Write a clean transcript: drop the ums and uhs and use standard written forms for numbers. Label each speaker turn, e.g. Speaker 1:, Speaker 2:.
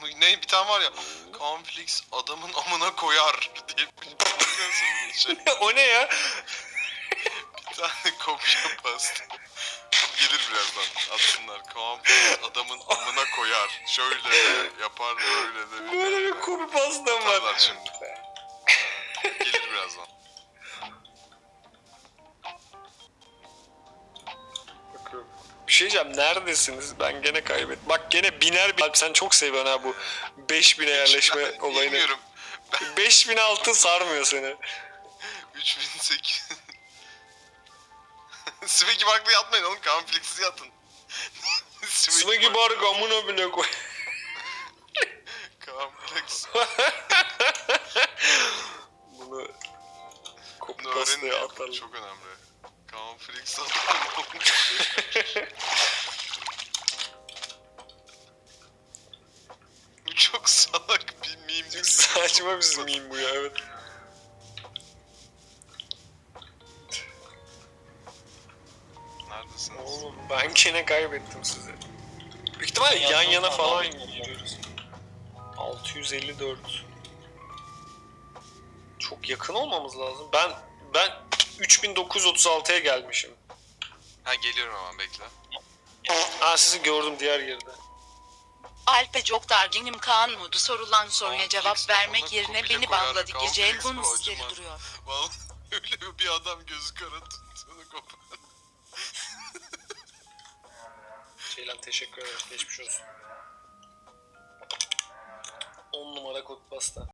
Speaker 1: Ne bir tane var ya. Cornflakes adamın amına koyar diye biliyorsun şey.
Speaker 2: O ne ya?
Speaker 1: Bir tane kopya pasta. Gelir birazdan atsınlar. Cornflakes adamın amına koyar. Şöyle de yapar böyle de.
Speaker 2: Böyle bir kopi pastam var.
Speaker 1: Atarlar şimdi. Gelir birazdan.
Speaker 2: Bir şey diyeceğim, neredesiniz? Ben gene kaybettim. Bak gene biner bir... Alp sen çok seviyorsun ha bu 5000'e yerleşme olayını.
Speaker 1: Bilmiyorum.
Speaker 2: 5000 altın sarmıyor seni.
Speaker 1: 3008. Smegi Bark'la yatmayın oğlum. Cornflakes'i yatın.
Speaker 2: Smegi Bark amına bile koy.
Speaker 1: Cornflakes.
Speaker 2: Bunu kopi
Speaker 1: Bunu
Speaker 2: pastaya
Speaker 1: öğrenin.
Speaker 2: atalım.
Speaker 1: Çok önemli. Cornflakes adamın Bu çok salak bir meme.
Speaker 2: Çok saçma bir meme bu ya, evet.
Speaker 1: Neredesiniz?
Speaker 2: Oğlum ben gene kaybettim sizi. Büyük ihtimalle yan yana falan gidiyoruz. 654. Çok yakın olmamız lazım. Ben 3936'ya gelmişim.
Speaker 1: Ha geliyorum hemen bekle.
Speaker 2: Ha sizi gördüm diğer yerde.
Speaker 3: Alp'e çok darginim. Kaan modu sorulan soruya
Speaker 1: Kaan
Speaker 3: cevap
Speaker 1: Flex
Speaker 3: vermek
Speaker 1: bana
Speaker 3: yerine
Speaker 1: kopile
Speaker 3: beni
Speaker 1: koyar.
Speaker 3: banladı.
Speaker 1: Kaan
Speaker 3: Gece
Speaker 1: Flex
Speaker 3: bunun
Speaker 1: bu
Speaker 3: sesleri
Speaker 1: acımaz.
Speaker 3: duruyor.
Speaker 1: Vallahi öyle bir adam gözü kara tuttuğunu kopar.
Speaker 2: Ceylan teşekkür ederim. Geçmiş olsun. 10 numara kod pasta.